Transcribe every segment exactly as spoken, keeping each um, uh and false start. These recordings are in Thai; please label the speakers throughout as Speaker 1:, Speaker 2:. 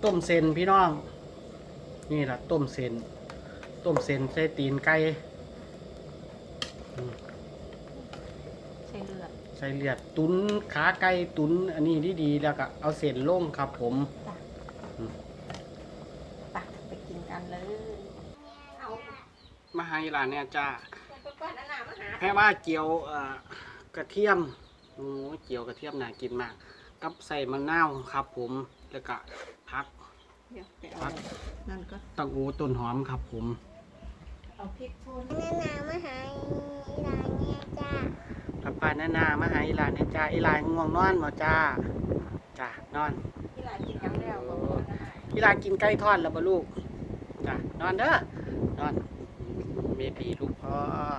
Speaker 1: ต้มเส้นพี่น้องนี่แหละต้มเส้นต้มเส้นใส่ตีนไก่
Speaker 2: ใส่เลือด
Speaker 1: ใส่เลือดตุ๋นขาไก่ตุ๋นอันนี้ดีๆแล้วก็เอาเส้นลงครับผม
Speaker 2: ไปไปกินกันเลย
Speaker 1: มาให้ร้านเนี่ยจ้าแค่ว่าเจียวกระเทียมโอ้เจียวกระเทียมน่ากินมากกับใส่มะนาวครับผมแล้วก็ผักผัก
Speaker 2: นั่นก็
Speaker 1: ตังอูต้นหอมครับผม
Speaker 2: เอาพริกป่น
Speaker 3: นานามาหาร้านเนี่ยจ้า
Speaker 1: ป้าป้านานามาหาอีหลานเนี่ยจ้าอีหลานง่วงนอนมาจ้าจ้านอน
Speaker 2: อีหลานกินกันแล้วบ่
Speaker 1: อีหลานกินไก่ทอดแล้วบ่ลูกจ้านอนเด้อนอนเบบีลูกพ่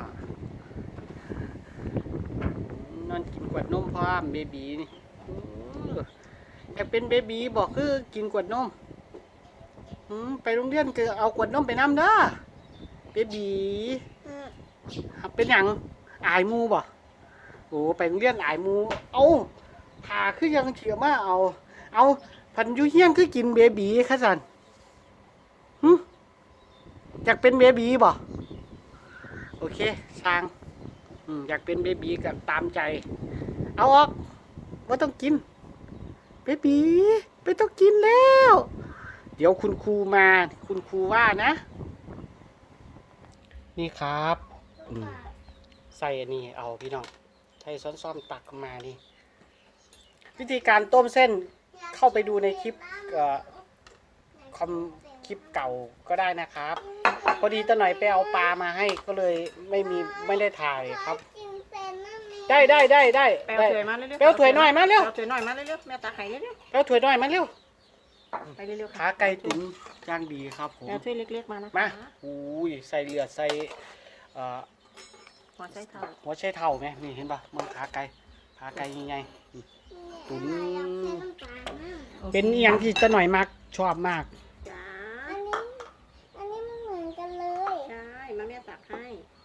Speaker 1: อนอนกินกวดนมพ่อเบบีนี่อยากเป็นเบบีบอกคือกินกวดนมไปโรงเรียนก็เอากวดนมไปน้ำเด้อเบบีเป็นอย่างอายมูบ่โอ้ไปโรงเรียนอายมูเอาผ่าคือยังเฉียมาเอาเอาพันยุเฮียนคือกินเบบีค่ะสันฮึอยากเป็นเบบีบ่โอเคช่างอยากเป็นเบบีกับตามใจเอาออกว่าต้องกินเบบีไม่ต้องกินแล้วเดี๋ยวคุณครูมาคุณครูว่านะนี่ครับใส่อันนี้เอาพี่น้องใช้ซ้อนๆตักมานี่วิธีการต้มเส้นเข้าไปดูในคลิปคอมคลิปเก่าก็ได้นะครับพอดีตะหน่อยไปเอาปลามาให้ก็เลยไม่มีไม่ได้ถ่ายครับได้ได้ได้ได้
Speaker 2: แปลวถ้วยมาเร็ว
Speaker 1: แปลวถ้วยน้อยมาเร็ว
Speaker 2: แปลวถ้วยน้อยมาเร็วแม่ตาไข่เร็ว
Speaker 1: แปลวถ้วยน้อยมาเร็ว
Speaker 2: ไปเร็ว
Speaker 1: ขาไก่ตุ๋นย่างดีครับผม
Speaker 2: แปลวถ้วยเล็กๆมานะ
Speaker 1: มาอุ้ยใส่เลือดใส่
Speaker 2: หัวไชเท้า
Speaker 1: หัวไชเท้าไหมนี่เห็นปะมันขาไก่ขาไก่ยังไงตุ๋นเป็นอย่างที่ตะหน่อยมากชอบมาก
Speaker 2: จ้า
Speaker 3: อันนี้อันนี้มันเหมือนกันเลย
Speaker 2: ใช่มาแม่ตักให้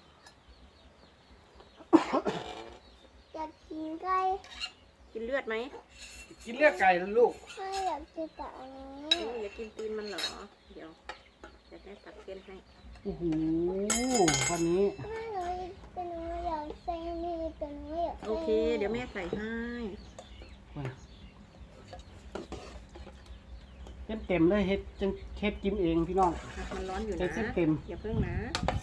Speaker 3: อยากกินไก่
Speaker 2: กินเลือดไหม
Speaker 1: กินเลือดไก่แล้วลูก
Speaker 3: ไม่อยากกินแต่อันนี้
Speaker 2: อยากกินตีนมันเหรอเดี๋ยวจะได้ตัดเส้นให้
Speaker 1: โอ้โหวันนี้
Speaker 3: ไม่หนูเป็นหนูอยากใส่นี่เป็นหนูอยาก
Speaker 2: โอเคเดี๋ยวแม่ใส่ให้
Speaker 1: เต็มเต็มเลยเฮ็ดจังเฮ็ดกินเองพี่น้อง
Speaker 2: มันร้อนอยู่นะ
Speaker 1: เต็มเต็ม
Speaker 2: อย่าเพิ่งนะ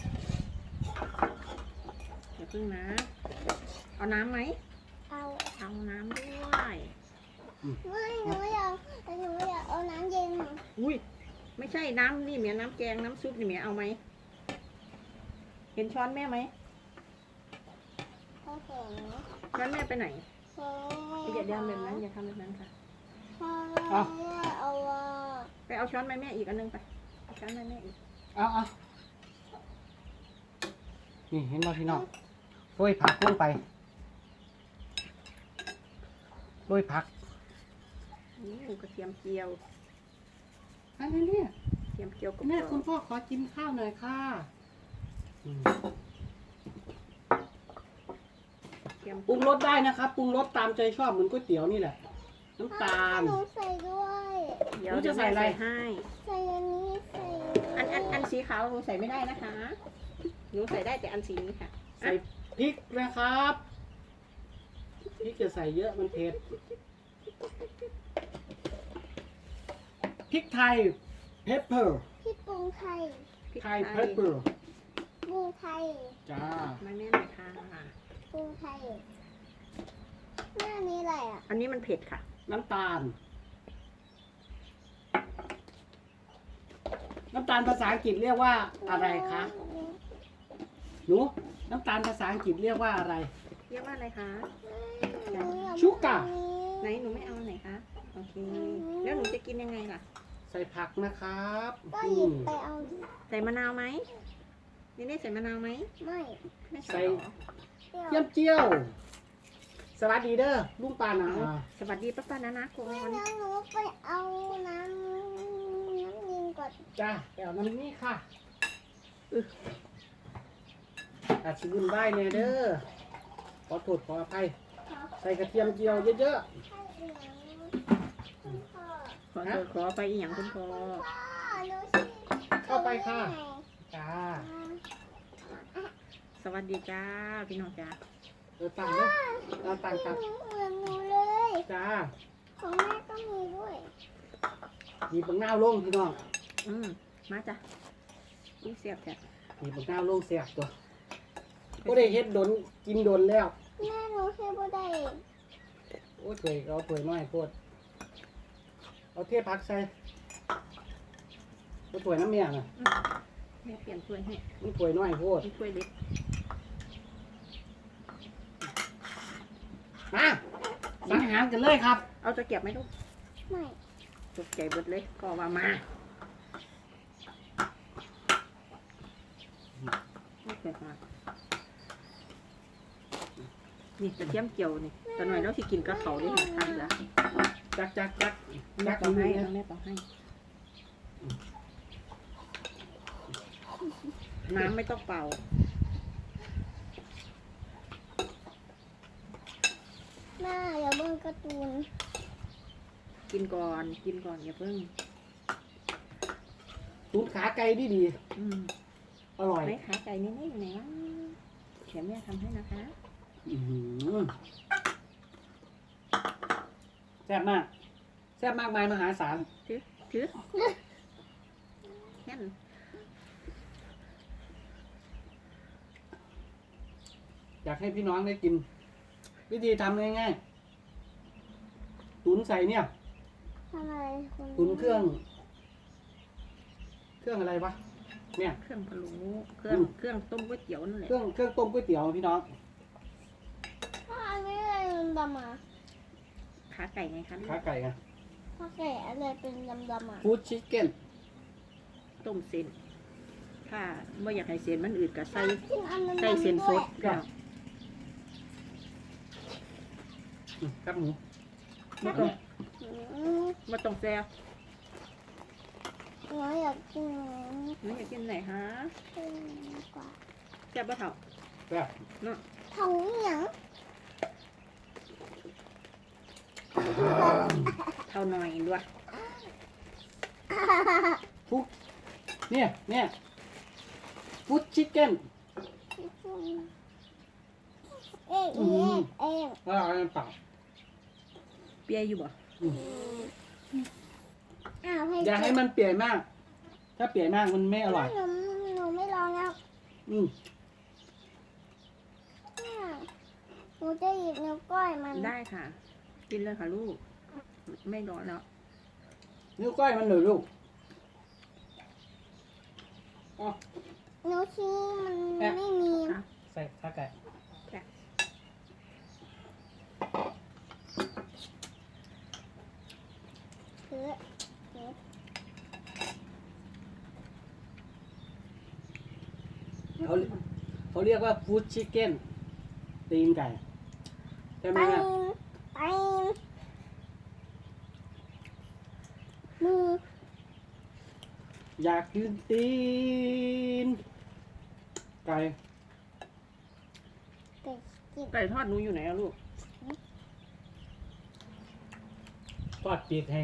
Speaker 2: อย่าเพิ่งนะเอาน้ำไหม
Speaker 3: เอา
Speaker 2: เอาน้ำด้วย
Speaker 3: ไม่หนูอยากหนูอยากเอาน้ำเย็น
Speaker 2: อุ้ยไม่ใช่น้ำนี่เมียน้ำแกงน้ำซุปนี่เมียเอาไหมเห็นช้อนแม่ไหมช้อนแม่ไปไหนอย่าเดินแบบนั้นอย่าทำแบบนั้นค่ะ
Speaker 3: เอา
Speaker 2: ไปเอาช้อนแม่แม่อีกอันนึงไปเอาช้อนแม่แม่อีก
Speaker 1: เอาเอานี่เห็นป่ะพี่น้องโรยผักลงไปโรยผัก
Speaker 2: นี่กระเทียมเจียว
Speaker 1: อันนี้เนี่ย
Speaker 2: เทียมเจียวกับ
Speaker 1: แม่คุณพ่อขอกินข้าวหน่อยค่ะปรุงรสได้นะครับปรุงรสตามใจชอบเหมือนก๋วยเตี๋ยวนี่แหละน้ำตาล
Speaker 3: หนูใส่ด้วย
Speaker 2: เดี๋ยวจะใส่อะไรให้
Speaker 3: ใส่อันนี้ใส่
Speaker 2: อันอันอันสีขาวหนูใส่ไม่ได้นะคะหนูใส่ได้แต่อันสีนี้ค่ะ
Speaker 1: ใส่พริกนะครับพริกจะใส่เยอะมันเผ็ดพริกไทยเพปเปอร์
Speaker 3: พริกปรุงไทย
Speaker 1: ไทยเพปเปอร์
Speaker 3: ปรุงไทย
Speaker 1: จ้า
Speaker 2: ไม่แม่ไม่ทานค่ะ
Speaker 3: ปรุงไทยหน้านี้อะไรอ่ะ
Speaker 2: อันนี้มันเผ็ดค่ะ
Speaker 1: น้ำตาลน้ำตาลภาษาอังกฤษเรียกว่าอะไรคะหนูน้ำตาลภาษาอังกฤษเรียกว่าอะไร
Speaker 2: เรียกว่าอะไรคะ
Speaker 1: ชูกา
Speaker 2: ไหนหนูไม่เอาไหนคะโอเคแล้วหนูจะกินยังไงล่ะ
Speaker 1: ใส่ผักนะครับ
Speaker 3: ก็หยิบไปเอา
Speaker 2: ใส่มะนาวไหมนี่นี่ใส่มะนาวไหม
Speaker 3: ไม่
Speaker 1: ใส่เจียวเจียวสวัสดีเด้อลุงปานะ
Speaker 2: สวัสดีป้าป้านะนะก่อน
Speaker 3: แล้วหนูไปเอาน้ำน้ำยิงก่อน
Speaker 1: จ้าไปเอาน้ำนี่ค่ะอาชิบุนได้เนี่ยเด้อขอโทษขออภัยใส่กระเทียมเจียวเยอะๆ
Speaker 2: ขอโทษขอไปอีหยังคุณพ่อ
Speaker 3: พ่อหนูชื่อ
Speaker 1: เข้าไปค่ะ จ้า
Speaker 2: สวัสดีจ้าพี่น้องจ้า
Speaker 1: เออตังเลยเอาตังตัง
Speaker 3: เหมือนหนูเลย
Speaker 1: จ้า
Speaker 3: ของแม่ก็มีด้วย
Speaker 1: หยิบบังหน้าลงพี่น้อง
Speaker 2: อืมมาจ้ะอุ้ยเสียบแท้
Speaker 1: หยิบบังหน้าลงเสียบตัวก็ได้เฮ็ดโดนกินโดนแล้ว
Speaker 3: แม่หนูชื่อบ่ได้
Speaker 1: โอ้ยถวยเอาถวยน้อยโพดเอาเทพักใส่เอาถวยน้ำเมียน่ะ
Speaker 2: แม่เปลี่ยนถ้วยให้
Speaker 1: มันถวยน้อยโพด
Speaker 2: เป็นถ้วยเล็ก
Speaker 1: มาสังหารกันเลยครับ
Speaker 2: เอาตะเกียบไหมลูก
Speaker 3: ไม่
Speaker 2: ตกใจเบิดเลยก็ว่ามาไม่เคยมานี่กระเทียมเจียวนี่ตอนหน่อยเราสิกินกับเขาได้ค่ะทานละ
Speaker 1: จักจักจัก
Speaker 2: แม่
Speaker 1: จัก
Speaker 2: ต่อให้
Speaker 1: นี่
Speaker 2: แม่ต่อให้ น้ำไม่ต้องเป่า
Speaker 3: แม่อย่าเบิ่งการ์ตูน
Speaker 2: กินก่อนกินก่อนอย่าเพิ่ง
Speaker 1: ตูนขาไก่ดีดี
Speaker 2: อืม
Speaker 1: ๆอร่อย
Speaker 2: ไหนขาไก่นี่ไม่อยู่ไหนวะเดี๋ยวแม่ทำให้นะคะ
Speaker 1: อื้อหือแซ่บมากแซ่บมากมายมหาศาล
Speaker 2: ถือถือแค่น
Speaker 1: อยากให้พี่น้องได้กิน วิธีทำง่ายๆตุนใส่เนี่ย
Speaker 3: ทำอะไรคุณ
Speaker 1: ตุนเครื่อง เครื่องอะไรวะเนี่ย
Speaker 2: เครื่องพะโล้เครื่องเครื่องต้มก๋วยเตี๋ยวนั่นแหละ
Speaker 1: เครื่องเครื่องต้มก๋วยเตี๋ยวพี่น้อง
Speaker 3: พ่ออันนี้อะไรดำๆอ่ะ
Speaker 2: ขาไก่ไงคะ
Speaker 1: ขาไก่อะ
Speaker 3: พ่อแก่อะไรเป็นดำๆอ่ะ
Speaker 1: ฟู้ดชิคเก้น
Speaker 2: ต้มเส้นถ้าไม่อยากให้เส้นมันอืดก็ใส่
Speaker 3: กินอันนั้น
Speaker 2: ใส่เส้นสดก็
Speaker 1: ครับหมู
Speaker 2: ไม่ต้อง
Speaker 3: อืม
Speaker 2: ไม่ต้องแซ่บ
Speaker 3: หนูอยากกิน
Speaker 2: ไม่อยากกินไหนฮะ
Speaker 3: เป็นกว่า
Speaker 2: แซ่บปะเถ่า
Speaker 1: แบบ
Speaker 2: เนาะ
Speaker 3: ทองเหนียง
Speaker 2: เท่าหน่อยด้วย
Speaker 1: ฟุกเนี่ยเนี่ยฟู้ดชิคเก้น
Speaker 3: เอ๊ะเอ๊ะเอ๊ะ
Speaker 1: แล้วเอาอันเปล่า
Speaker 2: เปียอยู่บ่
Speaker 3: อ้าวให้
Speaker 1: อย่าให้มันเปียกมาก ถ้าเปียกมากมันไม่อร่อย
Speaker 3: หนูหนูไม่ลองแล้ว
Speaker 1: อืม
Speaker 3: หนูจะหยิบนิ้วก้อยมัน
Speaker 2: ได้ค่ะ กินเลยค่ะลูก ไม่ร้อนแล้ว
Speaker 1: นิ้วก้อยมันหน่อยลูกอ๋อ
Speaker 3: นิ้วชี้มันไม่มี
Speaker 2: อ่ะ
Speaker 1: ใส่ขาไก่
Speaker 3: ถือถือ
Speaker 1: เขาเขาเรียกว่าฟู้ดชิคเก้นตีนไก่ใช่ไหม
Speaker 3: ไป
Speaker 1: แม่
Speaker 3: ไปมือ
Speaker 1: อยากกินตีนไก่
Speaker 3: เด็กกิน
Speaker 2: ไก่ทอดหนูอยู่ไหนอะลูก
Speaker 1: ทอดปีกให้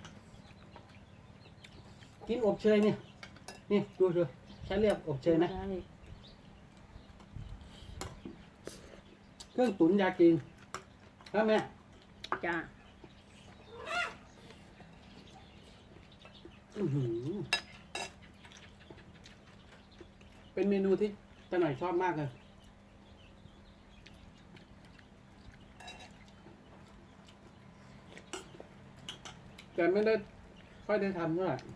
Speaker 1: กินอบเชยนี่นี่ดูดูฉันเรียกอบเชยนะ
Speaker 2: ได้
Speaker 1: เครื่องตุ๋นยากินครับแม่
Speaker 2: จ้า
Speaker 1: อื้อหือเป็นเมนูที่ตาหน่อยชอบมากเลยแต่ไม่ได้ค่อยได้ทำเท่าไหร่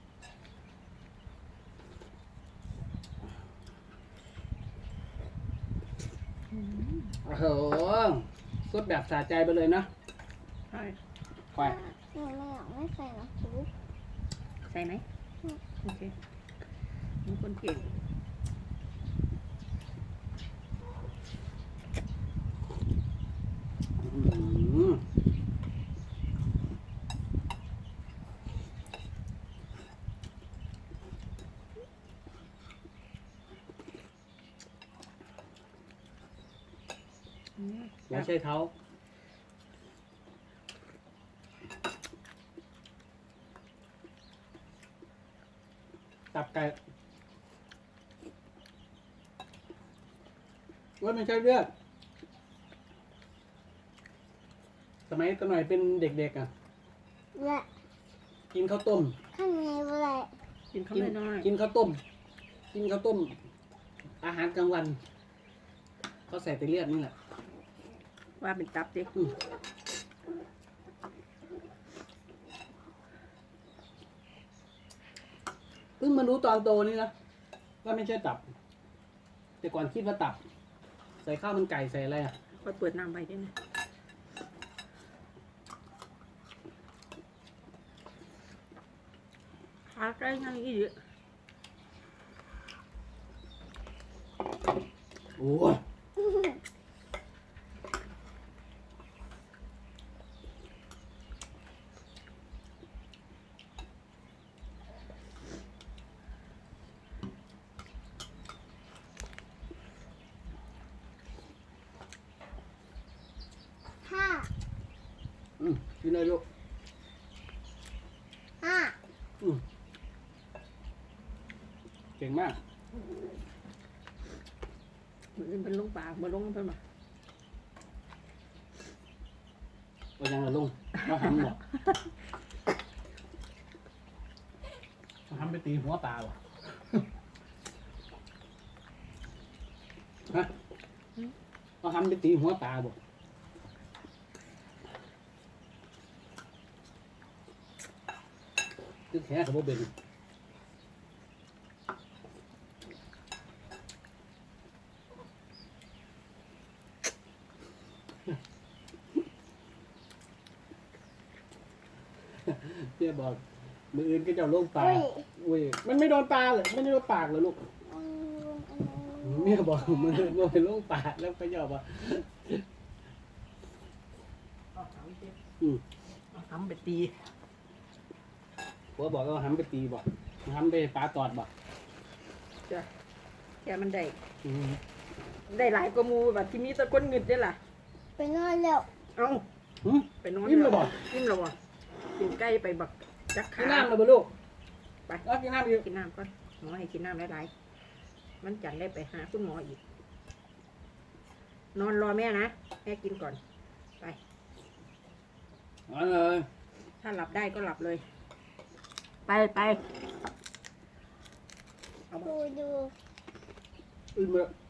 Speaker 1: โอ้โหสดแบบสะใจไปเลยนะ
Speaker 2: ใช่
Speaker 1: ไป
Speaker 3: หนูไม่อยากไม่ใส่น้ำซุป
Speaker 2: ใส่ไหมโอเคหนูคนเก่ง
Speaker 1: อื้อหือ
Speaker 2: อืม
Speaker 1: อย่าใช้เท้าไก่ว่าไม่ใช่เลือดสมัยตอนหน่อยเป็นเด็กๆอ่ะ
Speaker 3: และ
Speaker 1: กินข้าวต้ม
Speaker 3: ข้างในอะไร
Speaker 2: กินข้าว
Speaker 1: กิน
Speaker 2: น้อย
Speaker 1: กินข้าวต้ม กินข้าวต้ม อาหารกลางวันเขาใส่แต่เลือดนี่แหละ
Speaker 2: ๆว่าเป็นตับดิ
Speaker 1: อืมเพิ่งมารู้ตอนโตนี่นะว่าไม่ใช่ตับ แต่ก่อนคิดว่าตับ ใส่ข้าวมันไก่ใส่อะไรอ่ะ
Speaker 2: ค่อยเปิดน้ำไปได้ไหมขาใกล้ยังอีกเยอะ
Speaker 1: โอ้ย
Speaker 3: ห้า
Speaker 1: อืมกินเลยลูก
Speaker 3: ห้า
Speaker 1: อืมเก่งมาก
Speaker 2: เหมือนเป็นลุงปากมาลงเพิ่นมา
Speaker 1: ว่ายังละลุงว่าทำบอกว่าทำไปตีหัวปลาบ่ฮะว่าทำไปตีหัวปลาบ่ตึกแค่กับโบเป็นเพี่ยบอกมืออื่นก็จะเอาลงปลา
Speaker 3: อุ้ย
Speaker 1: อุ้ยมันไม่โดนปลาเลยไม่ได้โดนปากเลยลูก
Speaker 3: อืมอันนั้น
Speaker 1: เมียบอกมันโดนลงปากแล้วก็ยอมว่าอืม
Speaker 2: ทำไปตี
Speaker 1: ผัวบอกว่าหันไปตีบอกหันไปปลาตอดบอก
Speaker 2: จ้ะแค่มันได้
Speaker 1: อืม
Speaker 2: ได้หลายกว่าหมูแบบที่มีแตะก้นเงิดได้ล่ะ
Speaker 3: ไปนอนแล้ว
Speaker 2: เอ้า
Speaker 1: หืม
Speaker 2: ไปนอน
Speaker 1: อิ่มแล้วบ่
Speaker 2: อิ่มแล้วบ่กินไก่ไปบักจัก
Speaker 1: กิ
Speaker 2: ขาน
Speaker 1: น้ำเลยบ่ลูก
Speaker 2: ไป
Speaker 1: เอากินน้ำอยู่
Speaker 2: กินน้ำก่อนหมอให้กินน้ำหลายๆมันจันได้ไปหาคุณหมออีก นอนรอแม่นะแม่กินก่อน ไป
Speaker 1: เอาเลย
Speaker 2: ถ้าหลับได้ก็หลับเลย ไปไปเอามา
Speaker 3: ดูดู
Speaker 1: อิ่มเลย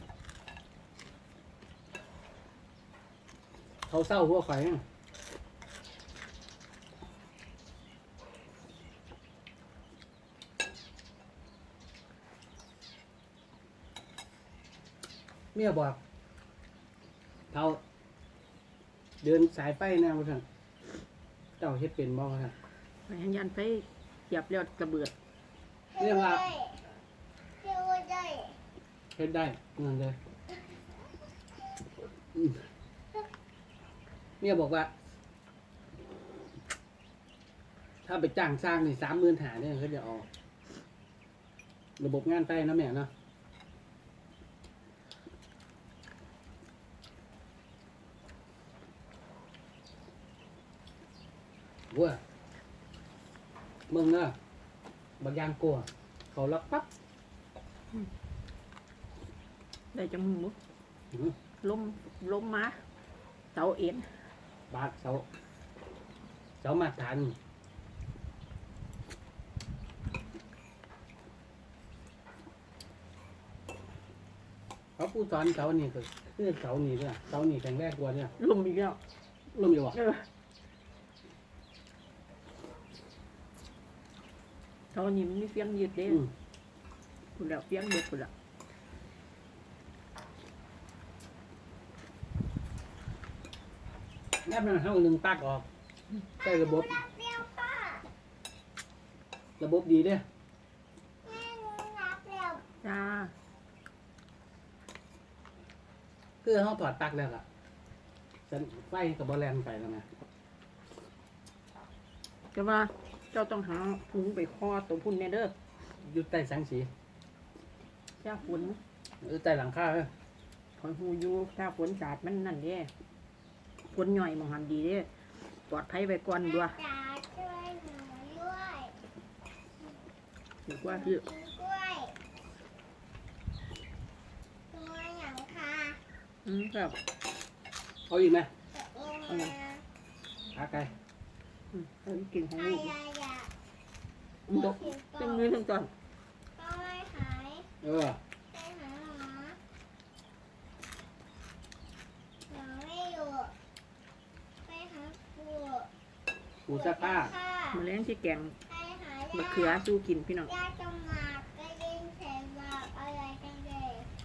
Speaker 1: เขาเศร้าหัวไฟนะเมียบอกเขาเดินสายไฟแนวท่านเจ้าเฮ็ดเป็นบ่ท่าน
Speaker 2: ไปหันยันไปเหยียบเลือดกระเบือด
Speaker 1: เรียกว่า
Speaker 3: เที่ยวได้
Speaker 1: เฮ็ดได้นั่นเลยอืมเมียบอกว่า ถ้าไปจ้างสร้างนี่สามหมื่นหาเนี่ยเขาจะเออกระบบงานไฟนะแม่เนาะว้ามึงเนาะบางอย่างกลัว เขาล็อกปั๊บ
Speaker 2: ได้จังมึงมุ
Speaker 1: อื้อ
Speaker 2: ล้มล้มมาเสาเอ็น
Speaker 1: บาดเสาเสามาตรฐานเขาผู้สอนเสานี่คือคือเสานี่ด้วยเสานี่แข็งแรงกว่าเนี่ย
Speaker 2: ล้มอีกแล้ว
Speaker 1: ล่มอยู่วะ
Speaker 2: เออเสานี่มันมีเฟียงยืดเด้
Speaker 1: อืม
Speaker 2: คุณแล้วเฟียงเด็ดคุณแล้ว
Speaker 1: แนบมันเท่าหนึ่งตักออกใช้ระบบ
Speaker 3: เที่ยวป้า
Speaker 1: ระบบดีเด้อ
Speaker 3: แม่หนูนับแล้ว
Speaker 2: จ้า
Speaker 1: คือเขาถอดปลั๊กแล้วล่ะฉันไฟกับบอลแลนไปแล้วนะ
Speaker 2: แต่ว่าเจ้าต้องหาถุงไปคอตัวพุ่นแน่เด้อ
Speaker 1: อยู่ใต้แสงสี
Speaker 2: ถ้าฝน
Speaker 1: อยู่ใต้หลังคาเด้อ
Speaker 2: คอยหูอยู่ถ้าฝนสาดมันนั่นเด้ฝนหน่อยมองหันดีเด้ปลอดภัยไปก่อนด้วย
Speaker 3: จ๋าช่วยหนูด้วย
Speaker 2: หรือกว่าพี่
Speaker 3: กินกล้วยตัวอย่างค่ะ
Speaker 2: อืมครับ
Speaker 1: เอาอีกไหม
Speaker 3: ลงมา
Speaker 1: ขาไก่
Speaker 2: อืมเอากินของ
Speaker 3: ใคร
Speaker 2: ลูก
Speaker 3: อยากอยาก
Speaker 2: อืมดกเป็นมือทั้งตอน
Speaker 3: ก็ไม่หาย
Speaker 1: เออ
Speaker 3: ไปหาหมอหมอไม่อยู่ไปหาปู่
Speaker 1: ปูซักผ้า
Speaker 3: ค่ะ
Speaker 2: มาแล้งที่แกง
Speaker 3: ไปหา
Speaker 2: มะ
Speaker 3: ยา
Speaker 2: เขือสู้กินพี่น้อง
Speaker 3: ยาจมหมากไปเล่นเสหมากอะไรกันเลย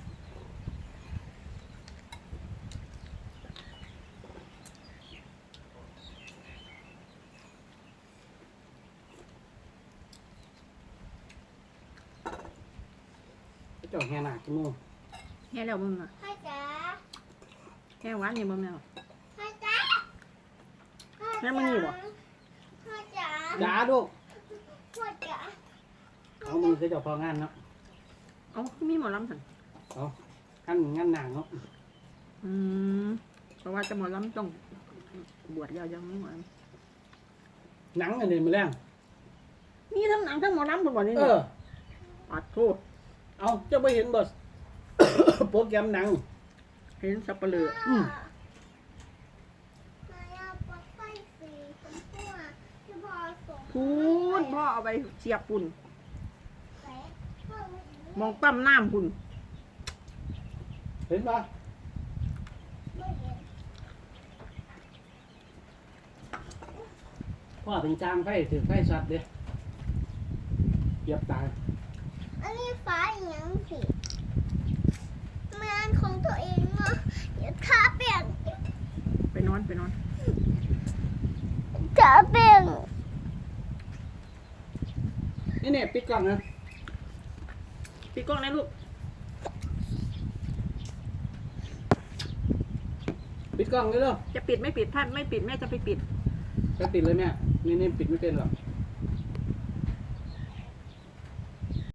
Speaker 1: เจ้าแห่หนักกี่โมง
Speaker 2: แค่แล้วมึงอ่ะ
Speaker 3: พ่อจ๋า
Speaker 2: แค่หวานนี่มึงแล้ว
Speaker 3: พ่อจ๋าพ่อ
Speaker 2: แม่
Speaker 3: จ๋า
Speaker 2: มึงอยู่บ่
Speaker 3: พ่อจ๋า
Speaker 1: จ้าลูก
Speaker 3: พ่อจ๋า
Speaker 1: เอามือคือเจ้าพองานเนาะ
Speaker 2: เอ้ามีหมอลำสั่น
Speaker 1: เอาขั้นงานหนักเนาะ
Speaker 2: อืมเพราะว่าจะหมอลำต้องบวชยาวยังไม่หมอล
Speaker 1: หนังอันนี้มาแรง
Speaker 2: ำมีทั้งหนังทั้งหมอลำคนบ่นี่
Speaker 1: เอ
Speaker 2: เนี่ย
Speaker 1: อ
Speaker 2: ปัดโทษ
Speaker 1: เอาเจ้าไปเห็นบท โปรแกรมหนัง
Speaker 2: เห็นสับปะเลอ
Speaker 1: อืม
Speaker 3: มายาปลั๊กไฟสีชมพูอะที่พ่อส่ง
Speaker 2: พูนพ่อเอาไปเสียบปุ่น
Speaker 3: ไปพ่อไม่
Speaker 2: มองปั้มน้ำปุ่น
Speaker 1: เห็นปะ
Speaker 3: ไม่เห็น
Speaker 1: พ่อเป็นจางไฟถือไฟสัตว์เด้เหยียบตาย
Speaker 3: อันนี้ฟ้าอีหยังสิงานของตัวเองเนาะเดี๋ยวขาเปลี่ยน
Speaker 2: ไปนอนไปนอน
Speaker 3: ขาเปลี่ยน
Speaker 1: นี่เนี่ยปิดกล้องนะ
Speaker 2: พี่กล้องนะลูก
Speaker 1: ปิดกล้องเลยเด้อ
Speaker 2: จะปิดไม่ปิดถ้าไม่ปิดแม่จะไปปิด
Speaker 1: ไปปิดเลยแม่นี่นี่ปิดไม่เป็นหรอก